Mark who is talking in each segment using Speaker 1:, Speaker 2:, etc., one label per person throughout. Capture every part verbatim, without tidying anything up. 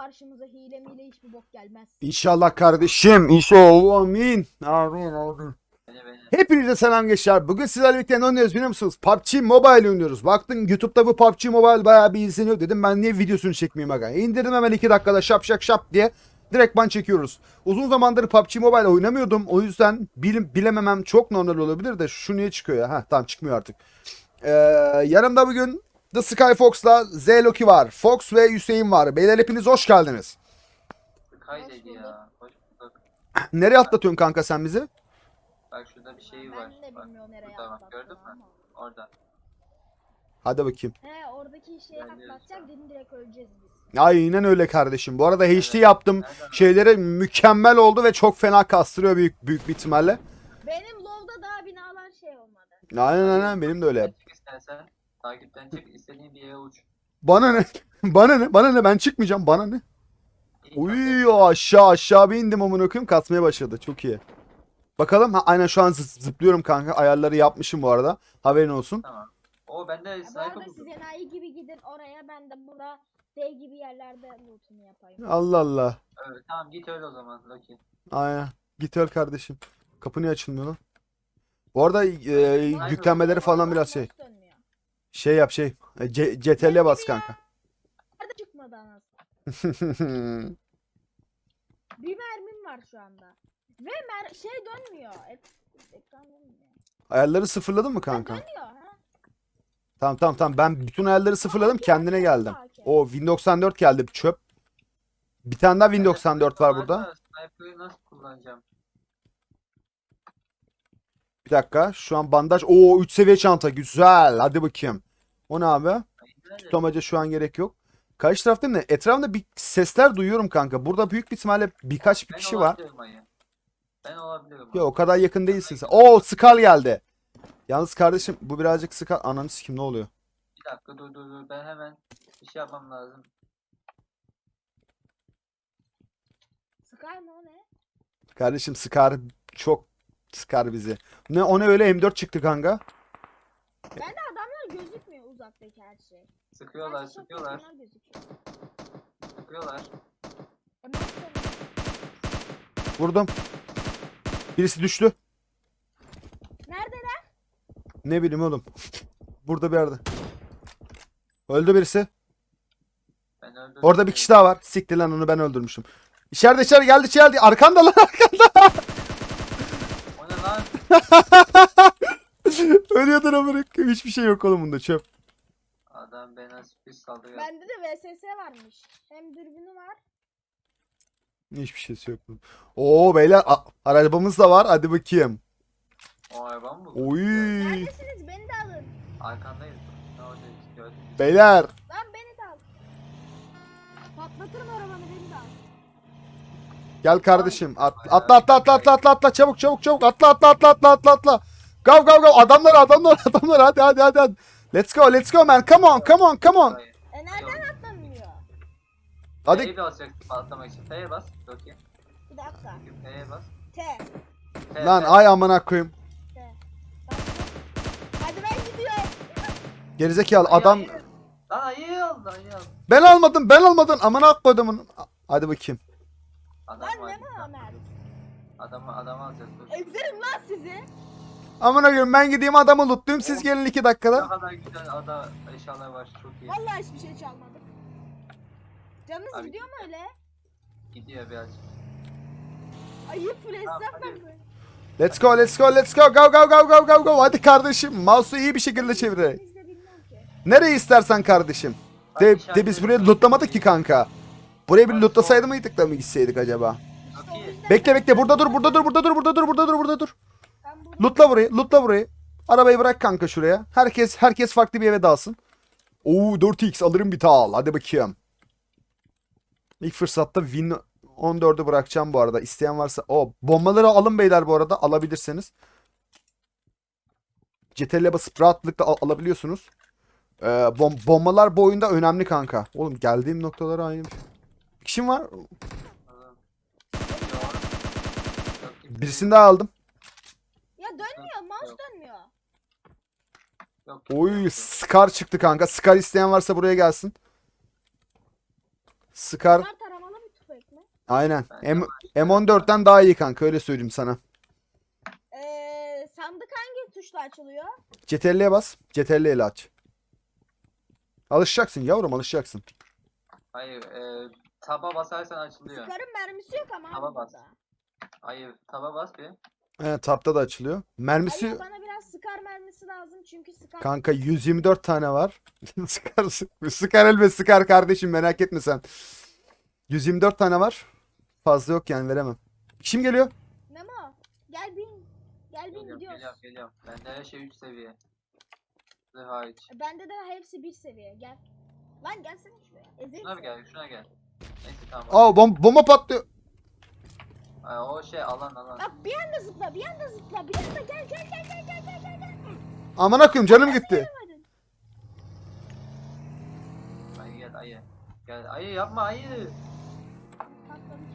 Speaker 1: karşımıza hile miyle hiçbir bok gelmez.
Speaker 2: İnşallah kardeşim. İnşallah. Amin. Amin. Amin.
Speaker 3: Beni beni.
Speaker 2: Hepinize selam gençler. Bugün sizlerle birlikte ne oynuyoruz biliyor musunuz? P U B G Mobile oynuyoruz. Baktın YouTube'da bu P U B G Mobile bayağı bir izleniyor dedim. Ben niye videosunu çekmeyeyim aga? İndirdim hemen iki dakikada şap şap şap diye. Direkt ban çekiyoruz. Uzun zamandır P U B G Mobile oynamıyordum. O yüzden bilim, bilememem çok normal olabilir de şu niye çıkıyor ya? Heh tamam çıkmıyor artık. Ee, yanımda bugün The Sky Fox'la Z Loki var. Fox ve Hüseyin var. Beyler hepiniz hoş geldiniz.
Speaker 3: Kaydedi ya. Hoş bulduk.
Speaker 2: Nereye atlatıyorsun kanka sen bizi?
Speaker 3: Bak şurada bir şey var.
Speaker 1: Ben de
Speaker 3: Bak,
Speaker 1: bilmiyorum nereye
Speaker 3: burada bak,
Speaker 1: atlattığını
Speaker 3: gördün mü?
Speaker 1: ama.
Speaker 3: Orada.
Speaker 2: Hadi bakayım.
Speaker 1: He oradaki şeyi
Speaker 3: Ben de
Speaker 1: atlatacak
Speaker 3: yoksa.
Speaker 1: dedim direkt öleceğiz biz.
Speaker 2: Aynen öyle kardeşim. Bu arada H D
Speaker 3: Evet.
Speaker 2: yaptım.
Speaker 3: Nereden
Speaker 2: Şeyleri mükemmel oldu ve çok fena kastırıyor büyük büyük bir ihtimalle.
Speaker 1: Benim low'da daha binalar şey olmadı.
Speaker 2: Aynen aynen benim de öyle.
Speaker 3: Çık istersen. Takipten çık. İstediğin bir yere uç.
Speaker 2: Bana ne? Bana ne? Bana ne? Ben çıkmayacağım. Bana ne?
Speaker 3: İyi
Speaker 2: Uy
Speaker 3: kanka.
Speaker 2: aşağı aşağı bir indim amına koyayım kasmaya başladı. Çok iyi. Bakalım. Ha, aynen şu an zı- zıplıyorum kanka. Ayarları yapmışım bu arada. Haberin olsun.
Speaker 3: Tamam. O bende
Speaker 1: Ya bu
Speaker 3: sniper
Speaker 1: arada
Speaker 3: buldum.
Speaker 1: siz enayi gibi gidin oraya, ben de burada D gibi yerlerde loot'umu yapayım.
Speaker 2: Allah Allah.
Speaker 3: Evet, tamam git öyle o zaman Loki.
Speaker 2: Aynen. Git öl kardeşim. Kapı niye açılmıyor lan? Bu arada e,
Speaker 3: Aynen.
Speaker 2: yüklenmeleri falan biraz şey.
Speaker 1: Mouse dönmüyor.
Speaker 2: Şey yap şey. E, C- C T L'ye bas kanka.
Speaker 1: Nerede çıkmadı anasını? Bir mermim var şu anda. Ve mer şey dönmüyor. Ek ekran dönmüyor.
Speaker 2: Ayarları sıfırladın mı
Speaker 1: Ha,
Speaker 2: kanka?
Speaker 1: dönüyor ha.
Speaker 2: Tamam tamam tamam ben bütün ayarları sıfırladım kendine geldim. O Win doksan dört geldi çöp. Bir tane daha Win doksan dört var burada.
Speaker 3: Sniper'ı nasıl kullanacağım?
Speaker 2: Bir dakika şu an bandaj. Oo üç seviye çanta güzel hadi bakayım. O ne abi?
Speaker 3: Ay, nerede?
Speaker 2: Tutamaca şu an gerek yok. Karşı taraftayım da etrafımda bir sesler duyuyorum kanka. Burada büyük bir ihtimalle birkaç bir
Speaker 3: Ben
Speaker 2: kişi var.
Speaker 3: olabilirim ayı. Ben olabilirim.
Speaker 2: Ya o kadar yakın değilsin sen. Oo Skal geldi. Yalnız kardeşim bu birazcık Skal. Ananı sikim ne oluyor?
Speaker 3: Bir dakika dur dur dur. Ben hemen bir şey yapmam lazım.
Speaker 1: Sıkar mı o ne?
Speaker 2: Kardeşim Skar çok Skar bizi. Ne o ne öyle M dört çıktı kanka.
Speaker 1: Bende adamlar gözükmüyor uzaktaki her şey.
Speaker 3: Sıkıyorlar
Speaker 1: Sadece çok
Speaker 3: sıkıyorlar.
Speaker 1: yakınlar gözüküyor.
Speaker 3: Sıkıyorlar.
Speaker 1: E, mouse dönüyor.
Speaker 2: Vurdum. Birisi düştü.
Speaker 1: Neredeler?
Speaker 2: Ne bileyim oğlum. Burada bir yerde. Öldü birisi.
Speaker 3: Ben öldürdüm.
Speaker 2: Orada bir kişi daha var. Siktir lan onu ben öldürmüşüm. İçeride içeri geldi içeride. Arkanda lan arkanda.
Speaker 3: O ne lan?
Speaker 2: Ölüyordur amına koyayım. Hiçbir şey yok oğlum bunda çöp.
Speaker 3: Adam bana sürpriz saldırı.
Speaker 1: Bende de V S S varmış. Hem dürbünü var.
Speaker 2: Hiçbir şeysi yok. Oo beyler a- arabamız da var. Hadi bakayım.
Speaker 3: O araba mı bu?
Speaker 2: Oy.
Speaker 1: Neredesiniz? Beni de alın.
Speaker 3: Arkandayız. Ne oradayız? Gördün mü?
Speaker 2: Beyler.
Speaker 1: Lan beni de al. Patlatırım arabanı, beni de al.
Speaker 2: Gel kardeşim. At, atla atla atla atla atla atla çabuk çabuk çabuk atla atla atla atla atla atla. Go go go adamlar adamlar adamlar hadi hadi hadi hadi. Let's go let's go man come on come on come on.
Speaker 3: Hayır.
Speaker 1: E nereden atlanıyor?
Speaker 2: Hadi
Speaker 3: F'ye basacaksın patlamak için. F'ye bas. Loki.
Speaker 1: Bir dakika.
Speaker 3: F'ye bas.
Speaker 1: T.
Speaker 3: F,
Speaker 2: lan
Speaker 3: F.
Speaker 2: ay amına koyayım.
Speaker 1: T. Bastım. Hadi ben gidiyorum.
Speaker 2: Gerizekalı
Speaker 3: Ayı,
Speaker 2: adam
Speaker 3: ayı. Lan ayı aldı ayı aldı.
Speaker 2: ben almadım ben almadım amına koyduğumun. Hadi bakayım.
Speaker 3: Adam
Speaker 1: Lan
Speaker 3: var.
Speaker 1: ne Muhammed?
Speaker 3: Adamı adamı alacağız. Dur.
Speaker 1: Ezerim lan sizi.
Speaker 2: Amına koyayım ben gideyim adamı lootlayayım siz
Speaker 3: Oh.
Speaker 2: gelin iki
Speaker 3: Ne
Speaker 2: dakikada.
Speaker 3: kadar güzel ada eşyalar var. Çok iyi.
Speaker 1: Vallahi hiçbir şey çalmadım. Canınız
Speaker 3: Abi-
Speaker 1: gidiyor mu öyle?
Speaker 3: Gidiyor birazcık.
Speaker 1: Ayıp full
Speaker 3: Tamam,
Speaker 1: esnaf
Speaker 3: hadi.
Speaker 1: mı?
Speaker 2: Let's go let's go let's go go go go go go go hadi kardeşim mouse'u iyi bir şekilde çevir.
Speaker 1: Biz de bilmiyorum ki.
Speaker 2: Nereye istersen kardeşim. De, de biz buraya lootlamadık ki kanka. Buraya bir lootlasaydı mıydık da mı gitseydik acaba?
Speaker 1: İşte
Speaker 3: Çok
Speaker 1: o
Speaker 3: iyi.
Speaker 1: yüzden
Speaker 2: Bekle bekle burada dur burada dur burada dur burada dur burada dur burada dur.
Speaker 1: ben burada
Speaker 2: Lootla burayı lootla burayı. Arabayı bırak kanka şuraya. Herkes herkes farklı bir eve dalsın. Oo dört x alırım bir tal. Hadi bakayım. İlk fırsatta Win on dördü bırakacağım bu arada. İsteyen varsa. O bombaları alın beyler bu arada alabilirseniz. C T L'ye basıp rahatlıkla al- alabiliyorsunuz. Ee, bom bombalar bu oyunda önemli kanka. Oğlum geldiğim noktalara aynı. Bir kişim var.
Speaker 3: Adam. Yok. Yok, kimse
Speaker 2: Birisini daha aldım.
Speaker 1: ya dönmüyor, mouse
Speaker 3: Yok.
Speaker 1: dönmüyor.
Speaker 3: yok.
Speaker 2: Oy Scar çıktı kanka. Scar isteyen varsa buraya gelsin. Scar
Speaker 1: Bunlar taramalı
Speaker 2: Aynen.
Speaker 3: Ben de
Speaker 2: M M on dörtten daha iyi kanka öyle söyleyeyim sana.
Speaker 1: Ee, sandık hangi tuşla açılıyor?
Speaker 2: C T R L'ye bas. C T R L ile aç. Alışacaksın yavrum alışacaksın.
Speaker 3: Hayır, e, taba basarsan açılıyor.
Speaker 1: Scar'ın mermisi yok ama
Speaker 3: Taba
Speaker 1: abi
Speaker 3: bas.
Speaker 1: burada.
Speaker 3: Hayır, taba bas bir.
Speaker 2: Evet tapta da açılıyor. Mermisi
Speaker 1: Hayır, bana biraz Scar mermisi lazım çünkü Scar...
Speaker 2: kanka yüz yirmi dört tane var. Sıkar, sıkar elbet sıkar kardeşim merak etme sen. yüz yirmi dört tane var. Fazla yok yani veremem. Kim geliyor?
Speaker 1: Memo gel bin. Gel bin
Speaker 3: Geliyorum,
Speaker 1: gidiyoruz.
Speaker 3: geliyorum, geliyorum. Bende her şey üç seviye. Zırh hariç.
Speaker 1: Bende de hepsi bir seviye gel. Lan gelsene şuraya. Ezerim
Speaker 3: Şuna bir
Speaker 1: seni.
Speaker 3: gel, şuna gel. Neyse tamam.
Speaker 2: Aa bom bomba patlıyor.
Speaker 3: Ay, o şey alan alan.
Speaker 1: Bak bir anda zıpla bir anda zıpla bir anda gel gel gel gel gel gel gel gel.
Speaker 2: Amına koyayım canım gitti.
Speaker 1: Gelemedim.
Speaker 3: Ayı gel ayı. Gel ayı yapma ayı.
Speaker 1: Patlamış.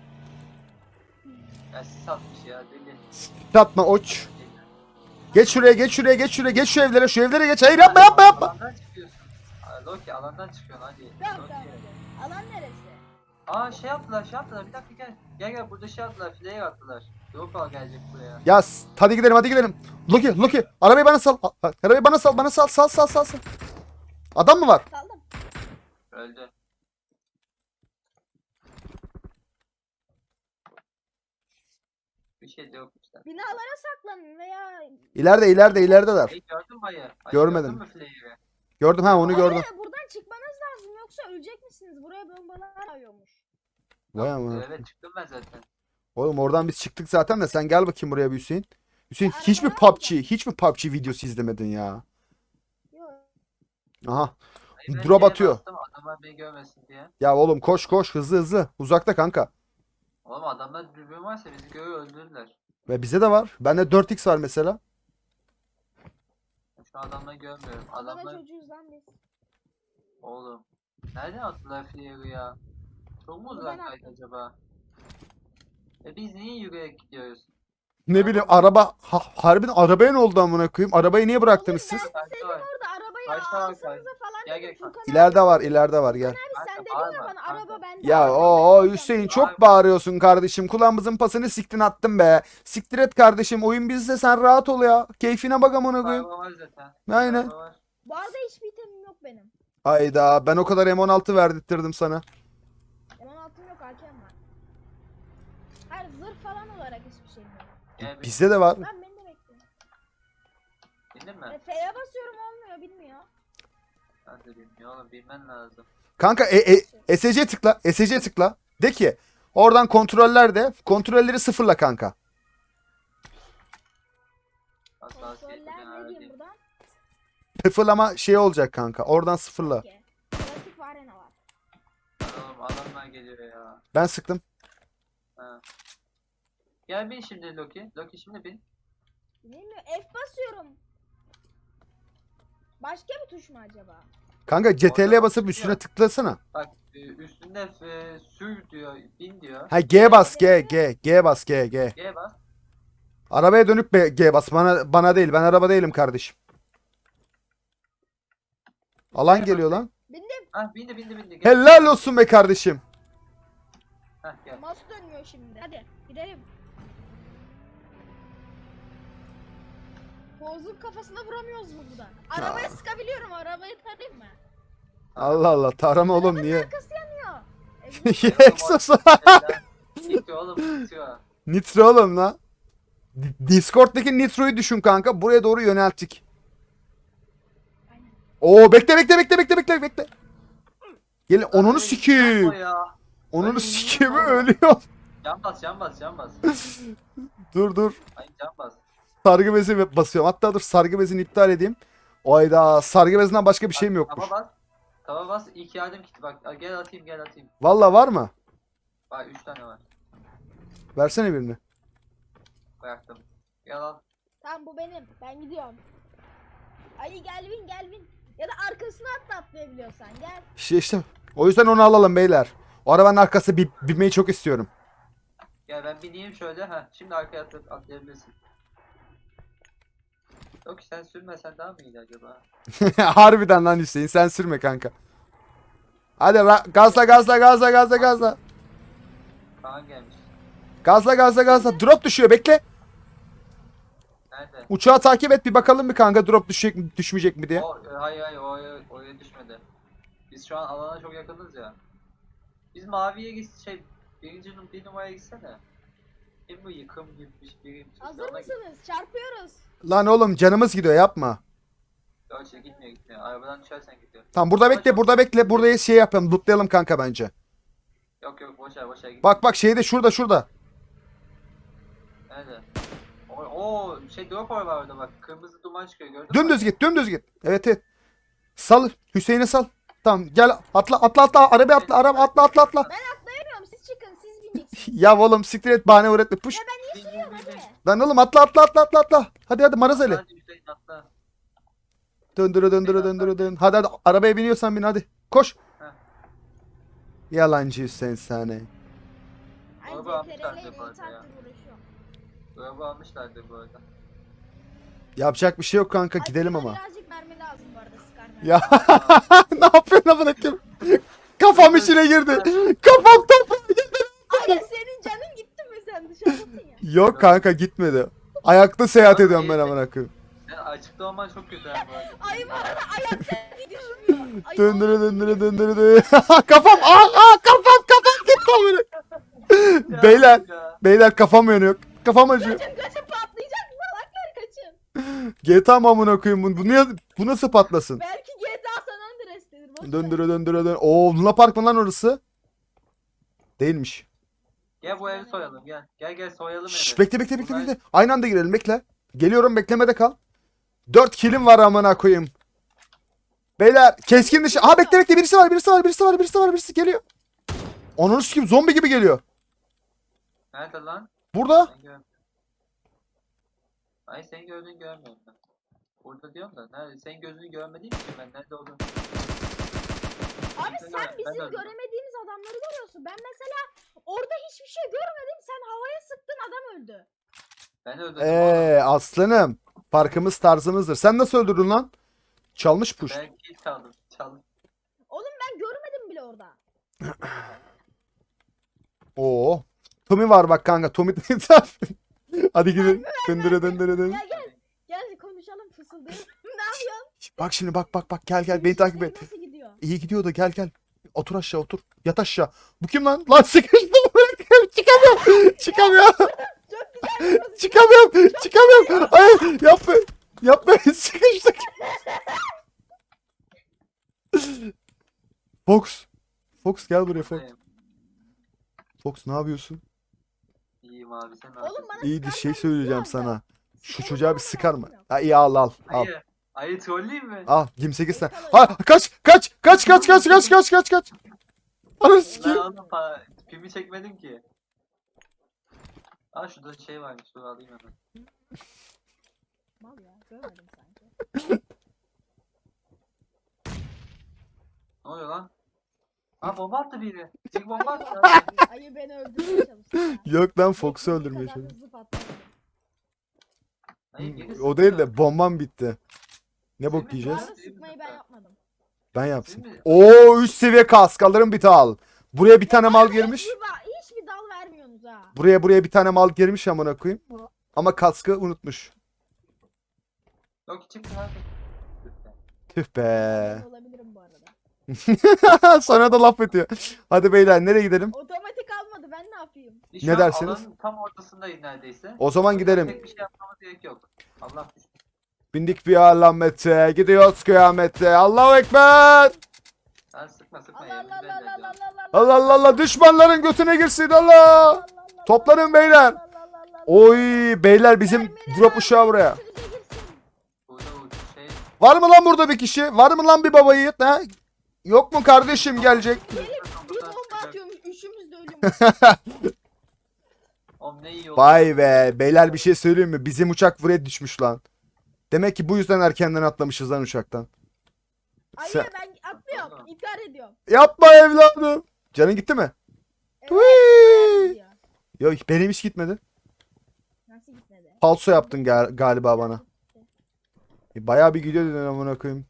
Speaker 3: Ya sis atmış ya deli.
Speaker 2: Atma oç. Geç şuraya geç şuraya geç şuraya geç şu evlere şu evlere geç. Hayır yapma yapma yapma.
Speaker 3: Alandan çıkıyorsun. Aa, Loki alandan çıkıyorsun hadi.
Speaker 1: Tamam
Speaker 3: Loki.
Speaker 1: tamam hadi. Alan neresi?
Speaker 3: Aa şey yaptılar şey yaptılar bir dakika gel. Gel gel burada şey yaptılar fileye attılar. Drop gelecek buraya.
Speaker 2: Ya s- hadi gidelim hadi gidelim. Loki Loki arabayı bana sal. A- a- Arabayı bana sal bana sal sal sal sal. sal. Adam mı var?
Speaker 1: Saldım.
Speaker 3: Öldü. Bir şey de yok işte.
Speaker 1: Binalara saklanın veya...
Speaker 2: İleride ileride ilerideler.
Speaker 3: Hey gördün mü ayı? Ayı
Speaker 2: Görmedim.
Speaker 3: Gördün mü fileyi?
Speaker 2: Gördüm ha onu gördüm.
Speaker 1: Hayır, buradan çıkmanız lazım yoksa ölecek misiniz? Buraya bombalar ayıyormuş.
Speaker 2: Vay amına.
Speaker 3: Evet çıktım ben zaten.
Speaker 2: Oğlum oradan biz çıktık zaten de sen gel bakayım buraya bir Hüseyin. Hüseyin
Speaker 1: Ya
Speaker 2: hiç mi
Speaker 1: arabaya
Speaker 2: P U B G hiç mi P U B G videosu izlemedin ya?
Speaker 1: Yok.
Speaker 2: Aha.
Speaker 3: Ayı ben
Speaker 2: Drop
Speaker 3: şeye
Speaker 2: atıyor.
Speaker 3: bastım, adamlar beni görmesin diye.
Speaker 2: Ya oğlum koş koş hızlı hızlı. Uzakta kanka.
Speaker 3: Oğlum adamlar dürbün varsa bizi görüyor öldürürler.
Speaker 2: Ve bize de var. Bende dört x var mesela.
Speaker 3: Şu adamları görmüyorum.
Speaker 1: Adana
Speaker 3: Adamlar
Speaker 1: çocuğuz lan biz.
Speaker 3: oğlum. Nereden attılar fileyi ya? Çok mu
Speaker 1: Buradan
Speaker 3: uzaktaydı
Speaker 1: attım.
Speaker 3: acaba? E biz niye yürüyerek gidiyoruz?
Speaker 2: Ne bileyim araba ha, harbiden arabaya ne oldu amına koyayım? Arabayı niye bıraktınız
Speaker 1: Oğlum
Speaker 2: siz?
Speaker 1: ben dedim
Speaker 3: var.
Speaker 1: orada arabayı
Speaker 3: Kaçta var,
Speaker 1: alsanıza
Speaker 3: kaç?
Speaker 1: falan
Speaker 3: Gel,
Speaker 1: dedim.
Speaker 3: gel,
Speaker 1: Furkan
Speaker 2: İleride var ileride var gel.
Speaker 1: abi sen
Speaker 3: Kanka,
Speaker 1: dedin ya
Speaker 3: bağırma,
Speaker 1: bana
Speaker 3: kanka.
Speaker 1: araba bende.
Speaker 2: Ya
Speaker 1: araba
Speaker 2: o o
Speaker 1: bende.
Speaker 2: Hüseyin
Speaker 3: Bağırma.
Speaker 2: çok bağırıyorsun kardeşim. Kulağımızın pasını siktin attın be. Siktir et kardeşim. Oyun bizde sen rahat ol ya. Keyfine bak amına koyayım.
Speaker 3: Araba var zaten.
Speaker 2: Aynen.
Speaker 3: Araba var.
Speaker 1: Bu arada hiçbir itemim yok benim.
Speaker 2: Ayda ben o kadar M on altı verdirttirdim sana.
Speaker 1: M on altım yok hakem var. Hayır zırh falan olarak hiçbir şeyim yok.
Speaker 3: Gel bir.
Speaker 2: Bizde de var.
Speaker 1: Lan beni de bekle.
Speaker 3: Bildin mi?
Speaker 1: E, F'ye basıyorum olmuyor bilmiyor.
Speaker 3: Ben de bilmiyorum oğlum bilmen lazım.
Speaker 2: Kanka e, e, S C tıkla. S C tıkla. De ki oradan kontroller de kontrolleri sıfırla kanka.
Speaker 3: Hassasiyeti ben
Speaker 1: Kontroller ne diyeyim
Speaker 3: ayarlayayım.
Speaker 1: buradan?
Speaker 2: Sıfırlama şey olacak kanka. Oradan sıfırla.
Speaker 1: Ki. Klasik var ne var.
Speaker 3: Oğlum adamlar geliyor ya.
Speaker 2: Ben sıktım.
Speaker 3: Ha. Gel bin şimdi Loki. Loki şimdi bin.
Speaker 1: Bilmiyorum F basıyorum. Başka bir tuş mu acaba?
Speaker 2: Kanka C T R'ye
Speaker 3: Oradan
Speaker 2: basıp üstüne
Speaker 3: çıkıyor.
Speaker 2: tıklasana.
Speaker 3: Bak e, üstünde e, sür diyor, bin diyor.
Speaker 2: Ha G bas G G G bas G G.
Speaker 3: G bas.
Speaker 2: Arabaya dönüp be- G bas. Bana bana değil. Ben araba değilim kardeşim. Alan geliyor lan.
Speaker 1: Bindim.
Speaker 3: Hah bindi bindi bindi. Gel.
Speaker 2: Helal olsun be kardeşim.
Speaker 3: Hah gel.
Speaker 1: Mouse dönmüyor şimdi. Hadi gidelim. Bozuk kafasına vuramıyoruz mu buradan? Arabaya sıkabiliyorum. Arabayı tarayayım mı?
Speaker 2: Allah Allah. Tarama oğlum
Speaker 1: Arabanın
Speaker 2: niye?
Speaker 1: arkası yanıyor. E, bu-
Speaker 2: Exos.
Speaker 3: Bitiyor oğlum bitiyor.
Speaker 2: Nitro oğlum lan. Di- Discord'daki Nitro'yu düşün kanka. Buraya doğru yönelttik.
Speaker 1: Aynen.
Speaker 2: Oo bekle bekle bekle bekle bekle bekle. Gelin onunu
Speaker 3: Ay,
Speaker 2: sikeyim.
Speaker 3: yapma ya.
Speaker 2: Onunu
Speaker 3: Ay,
Speaker 2: sikeyim
Speaker 3: yapma.
Speaker 2: ölüyor.
Speaker 3: Can bas can bas can bas.
Speaker 2: Dur dur.
Speaker 3: Ay can bas.
Speaker 2: Sargı bezi basıyorum. Hatta dur sargı bezini iptal edeyim. Oyda sargı bezinden başka bir şeyim yokmuş.
Speaker 3: Tava bas. Tava bas. İlk yardım kiti bak. Gel atayım gel atayım.
Speaker 2: Valla var mı?
Speaker 3: Bak üç tane var.
Speaker 2: Versene birini.
Speaker 3: Bıraktım. Gel al.
Speaker 1: Tamam bu benim. Ben gidiyorum. Ay gel bin gel bin. Ya da arkasına atla atlayabiliyorsan gel.
Speaker 2: İşte işte. O yüzden onu alalım beyler. O arabanın arkası bi- binmeyi çok istiyorum.
Speaker 3: Gel ben bineyim şöyle. Heh, şimdi arkaya atla- atlayabilirsin. Yok sen sürmesen daha mı iyiydi acaba?
Speaker 2: Harbiden lan Hüseyin sen sürme kanka. Hadi ra- gazla gazla gazla gazla gazla.
Speaker 3: Kaan gelmiş.
Speaker 2: Gazla gazla gazla. Drop düşüyor bekle.
Speaker 3: Nerede?
Speaker 2: Uçağı takip et bir bakalım bir kanka drop düşecek mi düşmeyecek mi diye.
Speaker 3: O, e, hayır hayır o oraya düşmedi. Biz şu an alana çok yakınız ya. Biz maviye git şey birinci num bir numaraya gitsene. Kim bu yıkım gibi bir birim.
Speaker 1: Hazır mısınız? Çarpıyoruz.
Speaker 2: Lan oğlum canımız gidiyor yapma.
Speaker 3: Yok şey gitmiyor gitmiyor. Arabadan düşersen gidiyor.
Speaker 2: Tamam burada bekle burada bekle. Burada şey yapalım lootlayalım kanka bence.
Speaker 3: Yok yok boşver boşver git.
Speaker 2: Bak bak şeyde şurada şurada.
Speaker 3: Nerede? O, o şey drop var orada bak. Kırmızı duman çıkıyor gördün mü?
Speaker 2: Dümdüz git dümdüz git. Evet evet. Sal Hüseyin'e sal. Tamam gel atla atla atla arabaya atla araba atla atla atla.
Speaker 1: Atlayamıyorum. Siz çıkın. Siz bineceksiniz.
Speaker 2: Ya oğlum siktir et bahane öğretme puş.
Speaker 3: Bin, bin, bin, bin.
Speaker 2: Lan oğlum atla atla atla atla atla. Hadi hadi Marazeli.
Speaker 3: Hadi Hüseyin atla.
Speaker 2: Döndüre döndüre döndüre dön. Hadi hadi arabaya biniyorsan bin hadi. Koş.
Speaker 3: Heh.
Speaker 2: Yalancı Hüseyin sahne.
Speaker 1: Ay
Speaker 3: Araba almışlar
Speaker 1: C T R L
Speaker 3: diye bu arada ya.
Speaker 1: saattir uğraşıyorum.
Speaker 3: Araba almışlardı bu arada.
Speaker 2: Yapacak bir şey yok kanka
Speaker 1: Ay,
Speaker 2: gidelim
Speaker 1: bana
Speaker 2: ama.
Speaker 1: Birazcık mermi lazım bu arada sıkar mermi.
Speaker 2: Ya ne yapıyorsun amına koyayım? Kafam içine girdi. Kafam toprağa girdi.
Speaker 1: Ay senin canın gitti mi sen dışarıdasın ya.
Speaker 2: Yok kanka gitmedi. Ayakta seyahat ediyorum ben amına koyayım.
Speaker 3: Sen açıkta olman çok kötü ha bu arada.
Speaker 1: Ay bu arada ayakta düşmüyor. Ay,
Speaker 2: Döndüre döndüre döndüre döndüre. Kafam aa aa kafam kafam gitti amına.
Speaker 3: Ya,
Speaker 2: Beyler
Speaker 3: ya.
Speaker 2: beyler kafam yanıyor. Kafam acıyor.
Speaker 1: Kaçın kaçın patlayacak salaklar kaçın.
Speaker 2: G T A mı amına koyayım bu? Bu, niye, bu nasıl patlasın?
Speaker 1: Belki G T A San Andreas'tedir. boş ver.
Speaker 2: Döndüre döndüre dön. Oo Luna Park mı lan orası? Değilmiş.
Speaker 3: Gel bu evi soyalım gel. Gel gel soyalım
Speaker 2: Şşş
Speaker 3: evi.
Speaker 2: bekle bekle bekle
Speaker 3: Bunlar-
Speaker 2: bekle. Aynı anda girelim bekle. Geliyorum beklemede kal. Dört kilim var amına koyayım. Beyler keskin dışı. Aha bekle bekle birisi var birisi var birisi var birisi var birisi geliyor. Onun kim zombi gibi geliyor.
Speaker 3: Nerede lan?
Speaker 2: Burada.
Speaker 3: Ben görmüyorum. Ay senin gördüğünü görmüyorum ben. Burada diyorum da nerede? Senin gözünü görmediğim için ben nerede olduğunu.
Speaker 1: Abi
Speaker 3: Ben
Speaker 1: sen
Speaker 3: de- ben
Speaker 1: bizim
Speaker 3: de öyle.
Speaker 1: göremediğimiz adamları görüyorsun. Ben mesela orada hiçbir şey görmedim. Sen havaya sıktın adam öldü.
Speaker 3: Ben öldürdüm.
Speaker 2: Eee aslanım. Farkımız tarzımızdır. Sen nasıl öldürdün lan? Çalmış puş.
Speaker 3: Ben kill çaldım. Çaldım.
Speaker 1: Oğlum ben görmedim bile orada.
Speaker 2: Oo. Tommy var bak kanka. Tommy. Hadi gidelim. Döndüre döndüre dön.
Speaker 1: Gel gel. Gel konuşalım fısıldayalım. Ne yapıyorsun?
Speaker 2: Bak şimdi bak bak bak gel gel beni takip et.
Speaker 1: Nasıl gidiyor?
Speaker 2: İyi gidiyor da gel gel. Otur aşağı otur. Yat aşağı. Bu kim lan? Lan sıkıştım. Çıkamıyorum. Çıkamıyorum.
Speaker 1: Çok güzel. bir
Speaker 2: Çıkamıyorum. Çıkamıyorum. Ay yapma. Yapma. Sıkıştık. Fox. Fox gel buraya Fox.
Speaker 3: Buradayım.
Speaker 2: Fox ne yapıyorsun?
Speaker 3: İyiyim abi sen ne
Speaker 1: Oğlum
Speaker 3: yapıyorsun?
Speaker 1: bana
Speaker 2: İyi bir
Speaker 1: sıkar
Speaker 2: şey
Speaker 1: mermisi
Speaker 2: söyleyeceğim
Speaker 1: lazım.
Speaker 2: sana. Şu
Speaker 1: Sıkarım
Speaker 2: çocuğa bir
Speaker 1: mermisi
Speaker 2: sıkar mı?
Speaker 1: lazım yok.
Speaker 2: Ha iyi al al al.
Speaker 3: Ayı. Ayı trolleyeyim mi?
Speaker 2: Al yirmi sekiz tane. Ha kaç kaç kaç kaç kaç kaç kaç kaç kaç. Anasını
Speaker 3: Ben
Speaker 2: sikeyim.
Speaker 3: oğlum para. Pimi çekmedim ki. Aa şurada şey varmış. Dur alayım hemen.
Speaker 1: Mal ya görmedim sanki.
Speaker 3: Ne oluyor lan? Aa bomba attı biri. Tek bomba attı.
Speaker 1: Ayı beni öldürmeye çalıştı ya.
Speaker 2: Yok lan Fox'u
Speaker 1: Beklediğim
Speaker 2: öldürmeye
Speaker 1: kadar
Speaker 2: çalışıyorum.
Speaker 1: hızlı patlamadı.
Speaker 3: Ayı biri
Speaker 2: O
Speaker 3: sıkıyor.
Speaker 2: değil de bombam bitti. Ne bok
Speaker 3: Senin
Speaker 1: Bu
Speaker 2: yiyeceğiz?
Speaker 1: arada sıkmayı ben yapmadım.
Speaker 2: Ben yapsın.
Speaker 3: Değil mi?
Speaker 2: Oo üst seviye kask alırım bir al. Buraya bir tane mal girmiş.
Speaker 1: Hiçbir, ba- hiçbir dal vermiyorsunuz ha.
Speaker 2: Buraya buraya bir tane mal girmiş amına koyayım. Ama kaskı unutmuş.
Speaker 3: Yok çıktı hadi.
Speaker 2: Tüh be.
Speaker 1: Ben olabilirim bu arada.
Speaker 2: Sonra da laf ediyor. Hadi beyler nereye gidelim?
Speaker 1: Otomatik almadı ben ne yapayım?
Speaker 3: Biz şu
Speaker 2: Ne
Speaker 3: an
Speaker 2: dersiniz?
Speaker 3: Alanın tam ortasındayız neredeyse.
Speaker 2: O zaman gidelim.
Speaker 3: Tek bir şey yapmamız gerek yok. Allah düştü.
Speaker 2: Bindik bir alamete. Gidiyoruz kıyamete. Allahu Ekber.
Speaker 3: Sen sıkma sıkma
Speaker 1: Allah
Speaker 3: ya.
Speaker 1: Allah
Speaker 3: Güzel
Speaker 1: Allah Allah
Speaker 3: ediyorum.
Speaker 1: Allah
Speaker 2: Allah Allah Allah düşmanların götüne girsin Allah. Toplanın beyler. Oy beyler bizim drop uşağı buraya.
Speaker 3: Burada bu şey.
Speaker 2: Var mı lan burada bir kişi? Var mı lan bir baba yiğit ha? Yok mu kardeşim gelecek?
Speaker 1: Bir bomba atıyormuş üçümüz de ölüyormuş.
Speaker 3: Oğlum ne iyi oldu.
Speaker 2: Vay be beyler bir şey söyleyeyim mi? Bizim uçak buraya düşmüş lan. Demek ki bu yüzden erkenden atlamışız lan uçaktan.
Speaker 1: Ay
Speaker 2: Sen-
Speaker 1: ya ben atlıyorum. İntihar ediyorum.
Speaker 2: Yapma evladım. Canın gitti mi?
Speaker 1: Evet,
Speaker 2: Tüy.
Speaker 1: gidiyor.
Speaker 2: Yok benim hiç gitmedi.
Speaker 1: Nasıl gitmedi?
Speaker 2: Falso yaptın gal- galiba bana. E, Bayağı bir gidiyor dedin amına koyayım.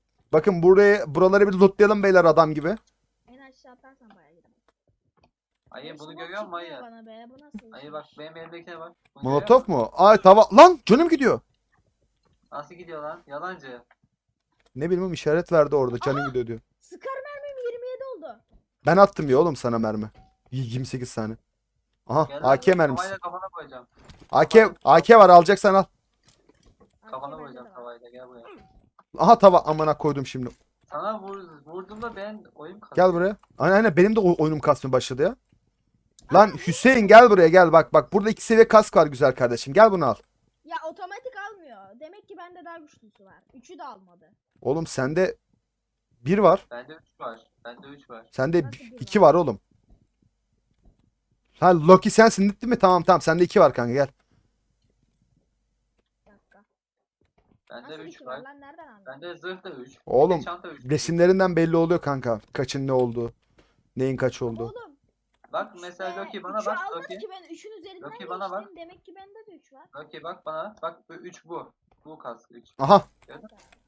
Speaker 2: Bakın buraya buraları bir lootlayalım beyler adam gibi.
Speaker 1: En aşağı atarsan bayağı gider.
Speaker 3: Ayı bunu
Speaker 1: Smoke
Speaker 3: görüyor musun
Speaker 1: çıkmıyor
Speaker 3: ayı?
Speaker 1: bana be, bu nasıl
Speaker 3: Ayı
Speaker 1: işmiş?
Speaker 3: bak benim elimdekine bak. Bunu görüyor
Speaker 2: Molotof
Speaker 3: musun?
Speaker 2: mu? Ay tava. Lan canım gidiyor.
Speaker 3: Nasıl gidiyor lan? Yalancı.
Speaker 2: Ne bileyim oğlum, işaret verdi orada canım gidiyor diyor.
Speaker 1: Sıkar mermim yirmi yedi oldu.
Speaker 2: Ben attım ya oğlum sana mermi. yirmi sekiz tane. Aha
Speaker 3: Gel
Speaker 2: A K
Speaker 3: lan,
Speaker 2: mermisi.
Speaker 3: tavayla kafana koyacağım.
Speaker 2: A K A K var, alacaksan al.
Speaker 3: Kafana
Speaker 1: bende de
Speaker 3: koyacağım
Speaker 1: var.
Speaker 3: tavayla gel buraya.
Speaker 2: Aha tava, amına koydum şimdi.
Speaker 3: Sana vur, vurduğumda ben oyun kazandım.
Speaker 2: Gel buraya. Aynen aynen, benim de o- oyunum kasmaya başladı ya. Lan Hüseyin gel buraya gel, bak bak burada iki seviye kask var güzel kardeşim, gel bunu al.
Speaker 1: Ya otomatik almıyor. Demek ki bende daha güçlüsü var. Üçü de almadı.
Speaker 2: Oğlum sende bir var.
Speaker 3: Bende üç var. Bende üç var.
Speaker 2: Sende
Speaker 1: Nasıl
Speaker 2: bi-
Speaker 1: bir
Speaker 2: iki
Speaker 1: var?
Speaker 2: var oğlum. Ha Loki sensin değil mi? Tamam tamam, sende iki var kanka, gel.
Speaker 1: Bir dakika.
Speaker 3: Bende
Speaker 1: Nasıl
Speaker 3: üç
Speaker 1: iki var
Speaker 3: var.
Speaker 1: lan? Nereden aldın?
Speaker 3: Bende zırh da üç.
Speaker 2: Oğlum,
Speaker 3: Çanta üç.
Speaker 2: resimlerinden belli oluyor kanka. Kaçın ne olduğu. Neyin kaç
Speaker 1: Ama
Speaker 2: olduğu.
Speaker 1: oğlum.
Speaker 3: Bak
Speaker 1: üçte
Speaker 3: mesela Loki bana
Speaker 1: üçü
Speaker 3: bak.
Speaker 1: almadı
Speaker 3: Loki.
Speaker 1: ki ben üçün üzerinden
Speaker 3: Loki bana bak.
Speaker 1: geçtim. Demek ki bende de üç var.
Speaker 3: Loki bak bana. Bak bu üç bu. Bu kask üç.
Speaker 2: Aha.
Speaker 3: Gördün mü?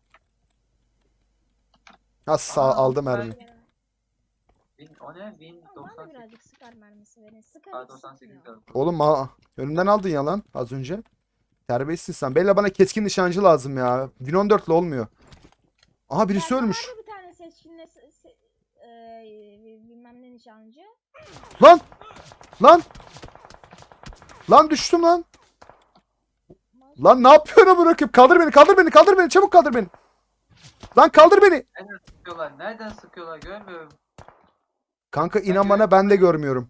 Speaker 2: Ha sağ
Speaker 3: Aa,
Speaker 2: aldım
Speaker 3: ben-
Speaker 2: mermi.
Speaker 3: Bin, o ne? bin
Speaker 1: Ama bana
Speaker 3: doksan
Speaker 1: da
Speaker 3: sekiz.
Speaker 1: birazcık sıkar mermisi verin. Sıkar
Speaker 3: Aa,
Speaker 1: hiç
Speaker 3: doksan sekiz
Speaker 1: sıkmıyor.
Speaker 3: lazım.
Speaker 2: Oğlum ha, önümden aldın ya lan az önce. Terbiyesizsin sen. Bella bana keskin nişancı lazım ya. bin on dört ile olmuyor. Aha birisi
Speaker 1: Bende
Speaker 2: ölmüş.
Speaker 1: vardı bir tane seçkinle se- se- eee, bilmem ne nişancı.
Speaker 2: Lan! Lan! Lan düştüm lan. Lan ne yapıyorsun bırakıp? Kaldır beni, kaldır beni, kaldır beni, çabuk kaldır beni. Lan kaldır beni.
Speaker 3: Nereden sıkıyorlar? Nereden sıkıyorlar? Görmüyorum.
Speaker 2: Kanka inan
Speaker 3: Ben
Speaker 2: bana, ben de görmüyorum.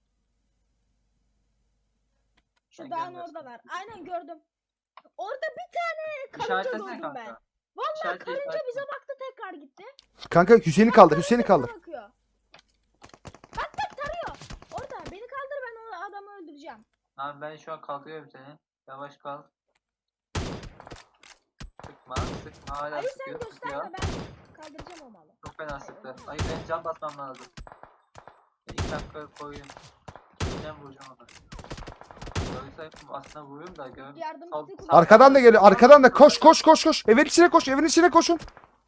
Speaker 1: Şu
Speaker 3: Ben
Speaker 1: dağın
Speaker 3: görmüyorum.
Speaker 1: orada var. Aynen gördüm. Orada bir tane karınca
Speaker 3: İşaretlesene
Speaker 1: gördüm ben.
Speaker 3: kanka.
Speaker 1: Vallahi
Speaker 3: İşaretle,
Speaker 1: karınca
Speaker 3: işaretle.
Speaker 1: bize baktı tekrar gitti.
Speaker 2: Kanka Hüseyin'i kaldır, Hüseyin'i kaldır.
Speaker 1: Bize bakıyor. Bak bak tarıyor. Orada beni kaldır, ben o adamı öldüreceğim.
Speaker 3: Abi ben şu an kaldırıyorum seni. Yavaş kal. Sıkma, sıkma. Hala
Speaker 1: Ali sen
Speaker 3: sıkıyor, sıkıyor.
Speaker 1: gösterme, ben kaldıracağım o malı.
Speaker 3: Çok fena sıktı. Ay ben can basmam lazım. Ben iki dakika koyayım. Kimden vuracağım onu? Görürsem aslında vuruyorum da gör.
Speaker 1: Yardım
Speaker 3: Sal-
Speaker 1: bitti.
Speaker 3: sal-
Speaker 2: Arkadan da geliyor, arkadan da koş koş koş koş. Evin içine koş, evin içine koşun.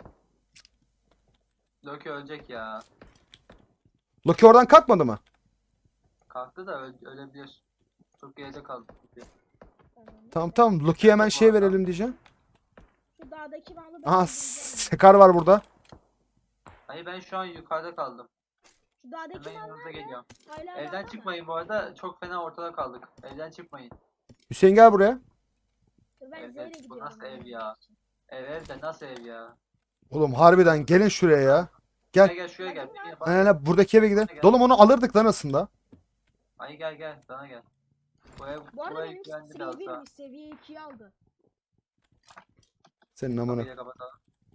Speaker 3: Loki ölecek ya.
Speaker 2: Loki oradan kalkmadı mı?
Speaker 3: Kalktı da öl ölebilir. Çok geride kaldı.
Speaker 2: Tamam tamam, Loki'ye hemen şey verelim diyeceğim.
Speaker 1: Şu dağdaki malı ben
Speaker 2: Aha
Speaker 1: öldüreceğim.
Speaker 2: Sekar var burada.
Speaker 3: Hayır ben şu an yukarıda kaldım.
Speaker 1: Şu dağdaki
Speaker 3: Hemen
Speaker 1: mal
Speaker 3: yanınıza
Speaker 1: nerede?
Speaker 3: geliyorum.
Speaker 1: Hala
Speaker 3: Evden
Speaker 1: dağda mı?
Speaker 3: çıkmayın bu arada. Çok fena ortada kaldık. Evden çıkmayın.
Speaker 2: Hüseyin gel buraya.
Speaker 1: Dur ben
Speaker 3: Evet,
Speaker 1: Zeyn'e
Speaker 3: evet, bu
Speaker 1: gidiyorum.
Speaker 3: nasıl ev ya? Ev ev de nasıl ev ya?
Speaker 2: Oğlum harbiden gelin şuraya ya. Gel.
Speaker 3: Gel gel şuraya gel.
Speaker 1: Bakın
Speaker 3: Gel, bak.
Speaker 2: Aynen buradaki eve gidelim. Oğlum onu alırdık lan aslında.
Speaker 3: Ay gel gel sana gel. Bu ev
Speaker 1: Bu arada
Speaker 3: bu ev
Speaker 1: benim
Speaker 3: güvenli
Speaker 1: seviye
Speaker 3: biraz daha.
Speaker 1: birmiş. Seviye ikiyi aldı.
Speaker 2: Senin amına.
Speaker 3: Kapıyı da kapatalım.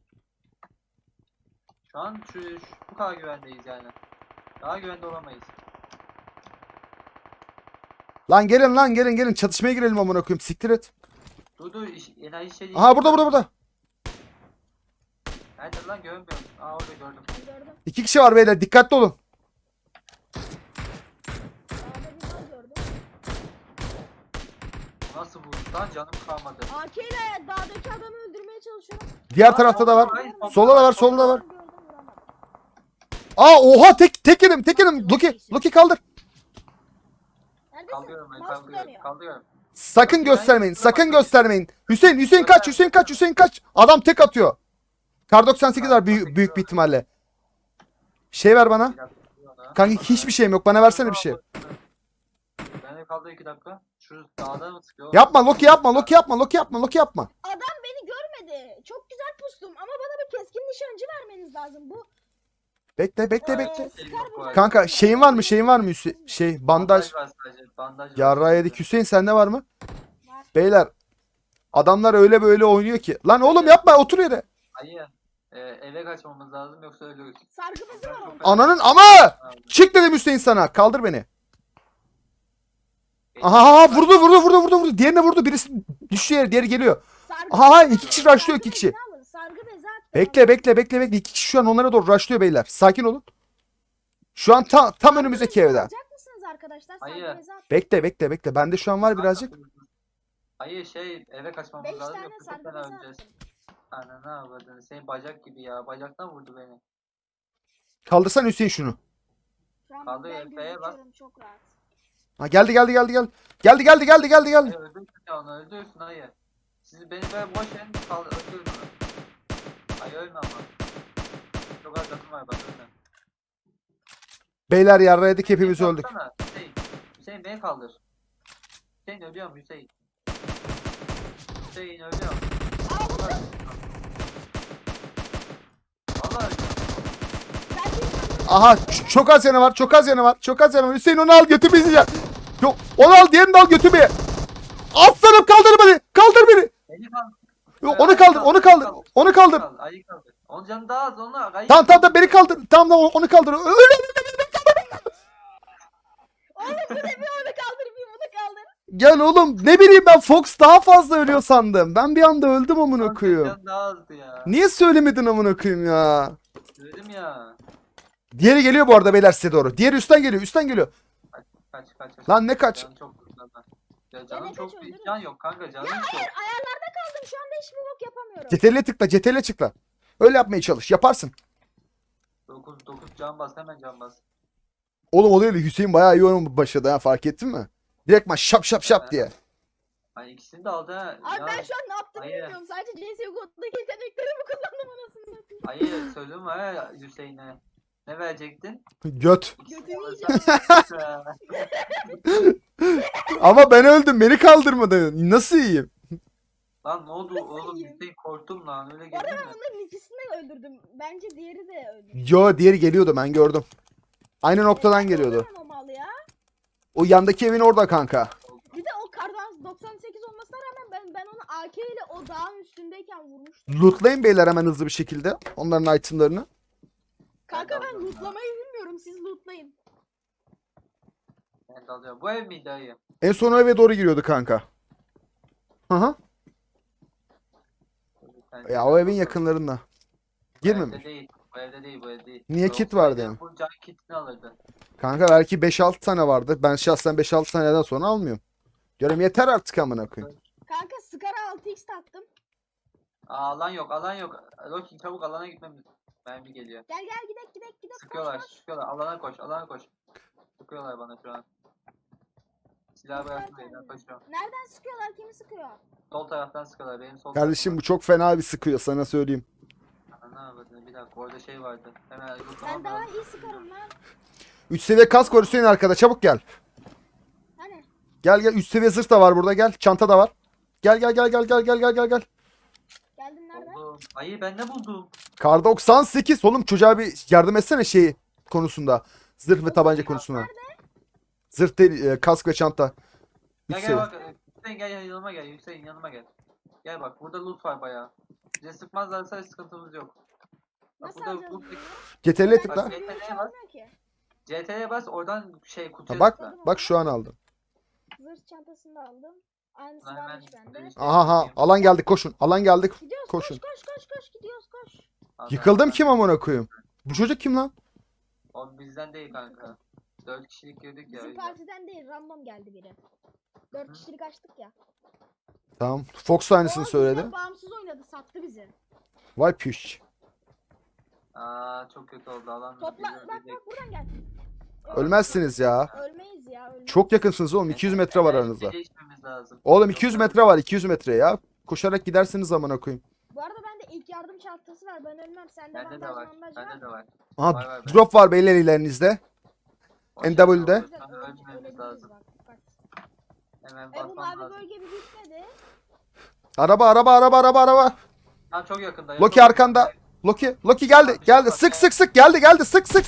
Speaker 3: Şu an şu, şu bu kadar güvendeyiz yani. Daha güvende olamayız.
Speaker 2: Lan gelin lan gelin gelin, çatışmaya girelim amına koyayım, siktir et.
Speaker 3: Dur dur iş, enayi şey değil.
Speaker 2: Aha burada burada burada.
Speaker 3: Nerede lan görmüyorum. Aa orada gördüm.
Speaker 1: Ben gördüm.
Speaker 2: İki kişi var beyler, dikkatli olun.
Speaker 1: Dağda bir mal gördüm.
Speaker 3: Nasıl bu? Lan canım kalmadı.
Speaker 1: A K ile dağdaki adamı öldürmeye çalışıyorum.
Speaker 2: Diğer tarafta da var.
Speaker 3: Hayır,
Speaker 2: Solda da var, solda da var.
Speaker 1: Gördüm, vuramadım.
Speaker 2: Aa oha, tek tek yedim tek yedim. Loki Loki kaldır.
Speaker 1: Neredesin?
Speaker 3: Kaldırıyorum ben
Speaker 1: Mouse
Speaker 3: kaldırıyorum.
Speaker 1: dönüyor.
Speaker 3: Kaldırıyorum.
Speaker 2: Sakın göstermeyin, sakın göstermeyin. Hüseyin Hüseyin kaç, Hüseyin kaç, Hüseyin kaç. Adam tek atıyor. Kar doksan sekiz var büyük, büyük bir ihtimalle. Şey ver bana.
Speaker 3: Bir dakika, dur ona.
Speaker 2: Kanka hiçbir şeyim yok, bana versene bir şey.
Speaker 3: Ben de kaldı iki dakika. Şu dağda mı sıkıyor?
Speaker 2: Yapma Loki, yapma Loki, yapma Loki, yapma Loki, yapma.
Speaker 1: Adam beni görmedi. Çok güzel pustum ama bana bir keskin nişancı vermeniz lazım. Bu
Speaker 2: Bekle bekle
Speaker 1: Ee,
Speaker 2: bekle.
Speaker 1: Sıkar
Speaker 3: Yok bu
Speaker 1: bu.
Speaker 3: arada.
Speaker 2: Kanka şeyin var mı, şeyin var mı Hüseyin? Şey bandaj.
Speaker 3: var sadece. Bandaj var.
Speaker 2: Yarra yedik. Hüseyin sende var mı?
Speaker 1: var.
Speaker 2: Beyler adamlar öyle böyle oynuyor ki. Lan oğlum yapma, otur yere.
Speaker 3: Hayır. Ee, eve kaçmamız lazım yoksa ölürüz.
Speaker 1: Sargı bezi var orada.
Speaker 2: Ananın ama. Çık dedim Hüseyin sana. Kaldır beni. Aha aha, vurdu vurdu vurdu vurdu vurdu. Diğerine vurdu. Birisi düştü yere, diğeri geliyor.
Speaker 1: Sargı
Speaker 2: Aha,
Speaker 1: bezi
Speaker 2: iki
Speaker 1: var.
Speaker 2: kişi rushlıyor,
Speaker 1: Sargı
Speaker 2: iki kişi.
Speaker 1: bezi alın, Sargı bezi attı.
Speaker 2: Bekle bekle bekle bekle. İki kişi şu an onlara doğru rushlıyor beyler. Sakin olun. Şu an ta, tam önümüzdeki evde.
Speaker 1: Alacak mısınız arkadaşlar? Sargı
Speaker 3: Hayır.
Speaker 1: bezi attı.
Speaker 2: Bekle bekle bekle. Bende şu an var birazcık.
Speaker 3: Hayır şey eve kaçmamız
Speaker 1: Beş
Speaker 3: lazım
Speaker 1: tane
Speaker 3: yoksa çok
Speaker 1: sargı
Speaker 3: fena
Speaker 1: bezi
Speaker 3: öleceğiz.
Speaker 1: attım.
Speaker 3: Ana ne yapardın? Senin bacak gibi ya. Bacaktan vurdu beni.
Speaker 2: Kaldırsan Hüseyin şunu.
Speaker 1: Şu an
Speaker 3: Kaldı,
Speaker 1: ben
Speaker 3: F'ye bas.
Speaker 1: gözüküyorum çok rahat.
Speaker 2: Ha geldi geldi geldi geldi. Geldi geldi geldi geldi
Speaker 3: Hayır
Speaker 2: geldi.
Speaker 3: öldürsün ya onu öldürsün hayır. Sizi beni böyle boş verin kal öldürün onu. Hayır ölme ama. Çok az canım var bak ölme.
Speaker 2: Beyler yarraydık hepimiz
Speaker 3: Hüseyin,
Speaker 2: öldük.
Speaker 3: kalksana, Hüseyin. Hüseyin beni kaldır. Hüseyin ölüyorum Hüseyin. Hüseyin ölüyorum.
Speaker 1: Aa vurdum.
Speaker 3: Vallahi ölüyorum.
Speaker 1: Ben bir
Speaker 2: Aha ç- çok az yanı var çok az yanı var çok az yanı var. Hüseyin onu al götür bizi ya. Yok onu al diğerini de al götür beni. Aslanım kaldır beni kaldır beni.
Speaker 3: Beni kaldır.
Speaker 2: Yok, onu kaldır onu kaldır onu kaldır.
Speaker 3: Ayı kaldır. Onun canı daha az onu ayı
Speaker 2: Tamam tamam tamam beni kaldır. Tamam tamam onu kaldır. Öyle öyle öyle.
Speaker 1: Oğlum bu ne bir onu kaldır bir bunu kaldır.
Speaker 2: Gel oğlum ne bileyim ben Fox daha fazla ölüyor sandım. Ben bir anda öldüm amına koyayım.
Speaker 3: Canı daha azdı ya.
Speaker 2: Niye söylemedin amına koyayım ya?
Speaker 3: Söyledim ya.
Speaker 2: Diğeri geliyor bu arada beyler size doğru. Diğeri üstten geliyor üstten geliyor.
Speaker 3: Kaç kaç kaç.
Speaker 2: Lan ne kaç?
Speaker 3: Canım çok kurtarma. Ya canım
Speaker 1: kaç
Speaker 3: çok bir
Speaker 1: öldürürüm.
Speaker 3: can yok kanka canım
Speaker 1: Ya
Speaker 3: yok.
Speaker 1: hayır ayarlarda kaldım şu anda hiçbir bok yapamıyorum.
Speaker 2: C T R'le tıkla C T R'le tıkla. Öyle yapmaya çalış yaparsın.
Speaker 3: dokuz dokuz can bas hemen can bas.
Speaker 2: Oğlum o değil de Hüseyin bayağı iyi oyun başladı ha fark ettin mi? Direktman şap şap şap diye.
Speaker 3: Hani ikisini de aldı ha.
Speaker 1: Abi
Speaker 3: Ya,
Speaker 1: ben şu an ne yaptığımı
Speaker 3: hayır.
Speaker 1: bilmiyorum. Sadece C S G O'daki yeteneklerimi kullandım anasını satayım.
Speaker 3: Hayır söylüyorum ha Hüseyin'e. Ne verecektin?
Speaker 2: Göt.
Speaker 1: Götümü
Speaker 3: İkisini
Speaker 1: yiyeceğim.
Speaker 3: alırsan-
Speaker 2: Ama ben öldüm beni kaldırmadı. Nasıl iyiyim?
Speaker 3: Lan ne oldu oğlum
Speaker 1: yiyeyim?
Speaker 3: Hüseyin korktum lan öyle
Speaker 1: Orada
Speaker 3: geldin
Speaker 1: ben
Speaker 3: mi?
Speaker 1: onların ikisini de öldürdüm. Bence diğeri de öldürdü.
Speaker 2: Yo diğeri geliyordu ben gördüm. Aynı noktadan geliyordu.
Speaker 1: Öldüremem o malı ya.
Speaker 2: O yandaki evin orada kanka.
Speaker 1: Bir de o kardan doksan sekiz olmasına rağmen ben ben onu A K ile o dağın üstündeyken vurmuştum.
Speaker 2: Lootlayın beyler hemen hızlı bir şekilde. Onların itemlarını.
Speaker 1: Kanka
Speaker 3: Ben de
Speaker 1: ben
Speaker 3: alıyorum
Speaker 1: lootlamayı bilmiyorum. Siz lootlayın.
Speaker 3: Ben de alıyorum. Bu ev miydi dayı?
Speaker 2: En son o eve doğru giriyordu kanka. Hı hı.
Speaker 3: Ben-
Speaker 2: Ya o evin yakınlarında.
Speaker 3: Bu evde
Speaker 2: Girmemiş.
Speaker 3: değil. Bu evde değil bu evde değil.
Speaker 2: Niye
Speaker 3: Bu
Speaker 2: kit
Speaker 3: olsaydı
Speaker 2: vardı yani?
Speaker 3: Bu can kitini alırdı.
Speaker 2: Kanka belki beş altı tane vardı. Ben şahsen beş altı taneden sonra almıyorum. Diyorum yeter artık amına koyayım.
Speaker 1: Kanka Scar'a altı x taktım.
Speaker 3: Aa, alan yok alan yok. Rocky çabuk alana gitmemiz. Mermi geliyor.
Speaker 1: Gel gel gidek gidek gidek.
Speaker 3: Sıkıyorlar
Speaker 1: Koş, koş.
Speaker 3: sıkıyorlar. Alana koş alana koş. Sıkıyorlar bana şu an. Silah
Speaker 1: Sıkıyorlar
Speaker 3: bıraktım elinden
Speaker 1: kendini.
Speaker 3: koşuyorum.
Speaker 1: Nereden sıkıyorlar? Kimi sıkıyor?
Speaker 3: Sol taraftan sıkıyorlar benim sol
Speaker 2: Kardeşim bu çok fena bir sıkıyor sana söyleyeyim.
Speaker 3: taraftan. Ana avradını, bir dakika orada şey vardı. Hemen
Speaker 1: Ben
Speaker 3: yutmam
Speaker 1: daha
Speaker 3: lazım.
Speaker 1: iyi sıkarım lan.
Speaker 2: üç seviye kask var Hüseyin arkada çabuk gel.
Speaker 1: Hani?
Speaker 2: Gel gel üç seviye zırh da var burada gel. Çanta da var. Gel gel gel gel gel gel gel gel gel.
Speaker 1: Geldin nereden?
Speaker 3: Buldum. Hayır ben ne buldum?
Speaker 2: Kar doksan sekiz oğlum çocuğa bir yardım etsene şeyi konusunda. Zırh ve tabanca konusunda. Zırh değil e, kask ve çanta. üç
Speaker 3: Gel gel
Speaker 2: seviye.
Speaker 3: bak. Hüseyin gel yanıma gel. Hüseyin yanıma gel. Gel bak burada loot var bayağı. Bize sıkmazlarsa sıkıntımız yok. Bak
Speaker 1: Nasıl
Speaker 3: burada
Speaker 1: alacağız
Speaker 3: loot
Speaker 1: bunu?
Speaker 2: C T R'le
Speaker 1: Ben
Speaker 2: tıkla.
Speaker 3: Bak,
Speaker 1: hiçbirini
Speaker 3: C T R'ye
Speaker 1: çalmıyor ki.
Speaker 3: C T'ye bas oradan şey kutuya
Speaker 2: Ha, bak
Speaker 3: tıkla.
Speaker 2: bak şu an aldım.
Speaker 1: Zırh çantasını da aldım. Aynısı
Speaker 3: Hemen
Speaker 1: varmış bende.
Speaker 3: böyle-
Speaker 2: Aha ha alan geldik koşun. Alan geldik.
Speaker 1: Gidiyoruz
Speaker 2: Koşun.
Speaker 1: koş koş koş koş gidiyoruz koş.
Speaker 3: Adam-
Speaker 2: Yıkıldım kim amına koyayım? Bu çocuk kim lan?
Speaker 3: O bizden değil kanka. Dört kişilik girdik ya. o
Speaker 1: Bizim
Speaker 3: yüzden.
Speaker 1: partiden değil random geldi biri. Dört kişilik açtık ya.
Speaker 2: Tamam. Fox da aynısını
Speaker 1: O
Speaker 2: söyledi.
Speaker 1: bizden bağımsız oynadı sattı bizi.
Speaker 2: Vay püş.
Speaker 3: Aa çok kötü oldu alan.
Speaker 1: Topla
Speaker 3: bizi
Speaker 1: bak
Speaker 3: öldürecek.
Speaker 1: bak buradan gel.
Speaker 2: Ölmezsiniz ya.
Speaker 1: Ölmeyiz ya ölmeyiz.
Speaker 2: Çok yakınsınız oğlum. iki yüz metre var
Speaker 3: Enerji
Speaker 2: aranızda.
Speaker 3: değişmemiz lazım.
Speaker 2: Oğlum iki yüz metre var. iki yüz metre ya. Koşarak gidersiniz amına koyayım.
Speaker 1: Bu arada bende ilk yardım çantası var ben ölmem. Sende
Speaker 3: Bende de
Speaker 1: bandaj
Speaker 3: var.
Speaker 1: bandaj var
Speaker 3: Bende de
Speaker 1: mı?
Speaker 3: var.
Speaker 2: Aha
Speaker 3: Var, var, ben-
Speaker 2: drop var beyler ilerinizde.
Speaker 3: O
Speaker 2: N
Speaker 3: şey
Speaker 2: W'de.
Speaker 3: oldu,
Speaker 1: Güzel,
Speaker 3: sana
Speaker 1: öl-
Speaker 3: ölmememiz
Speaker 1: ölebiliriz
Speaker 3: lazım.
Speaker 1: bak, dikkat.
Speaker 3: Hemen
Speaker 1: E bu
Speaker 3: basmam
Speaker 1: mavi
Speaker 3: lazım.
Speaker 1: bölge bir bitmedi.
Speaker 2: Araba araba araba araba araba.
Speaker 3: Ha çok yakında.
Speaker 2: Loki
Speaker 3: yakın.
Speaker 2: arkanda. Loki. Loki geldi. Geldi. Sık sık sık. Geldi geldi. Sık sık.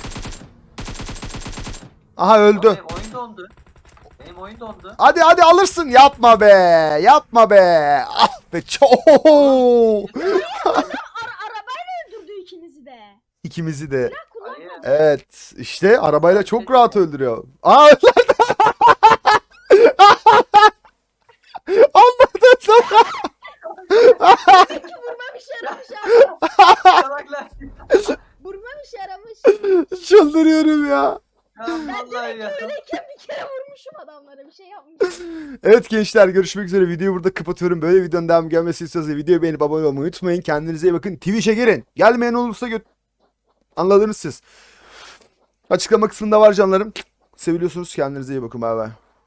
Speaker 2: Aha öldü.
Speaker 3: Benim oyun dondu. Benim oyun dondu.
Speaker 2: Hadi hadi alırsın. Yapma be. Yapma be. Ah be. Çok.
Speaker 1: Ara arabayla öldürdü ikinizi de.
Speaker 2: İkimizi de.
Speaker 1: Silah kullanmadı.
Speaker 3: Hayır.
Speaker 2: Evet. İşte arabayla çok rahat öldürüyor. Aa anladın lan.
Speaker 1: Peki vurmam işe yaramış abi.
Speaker 3: Salaklar.
Speaker 1: Vurmam işe yaramış.
Speaker 2: Çıldırıyorum ya.
Speaker 3: Ya
Speaker 1: Ben
Speaker 3: vallahi
Speaker 1: demek
Speaker 3: ya.
Speaker 1: ki öyleyken bir kere vurmuşum adamlara bir şey yapmışım.
Speaker 2: Evet gençler görüşmek üzere. Videoyu burada kapatıyorum. Böyle videonun devamı gelmesi istiyorsanız videoyu beğenip abone olmayı unutmayın. Kendinize iyi bakın. Twitch'e girin. Gelmeyen olursa göt... Anladınız siz. Açıklama kısmında var canlarım. Seviliyorsunuz. Kendinize iyi bakın. Bay bay.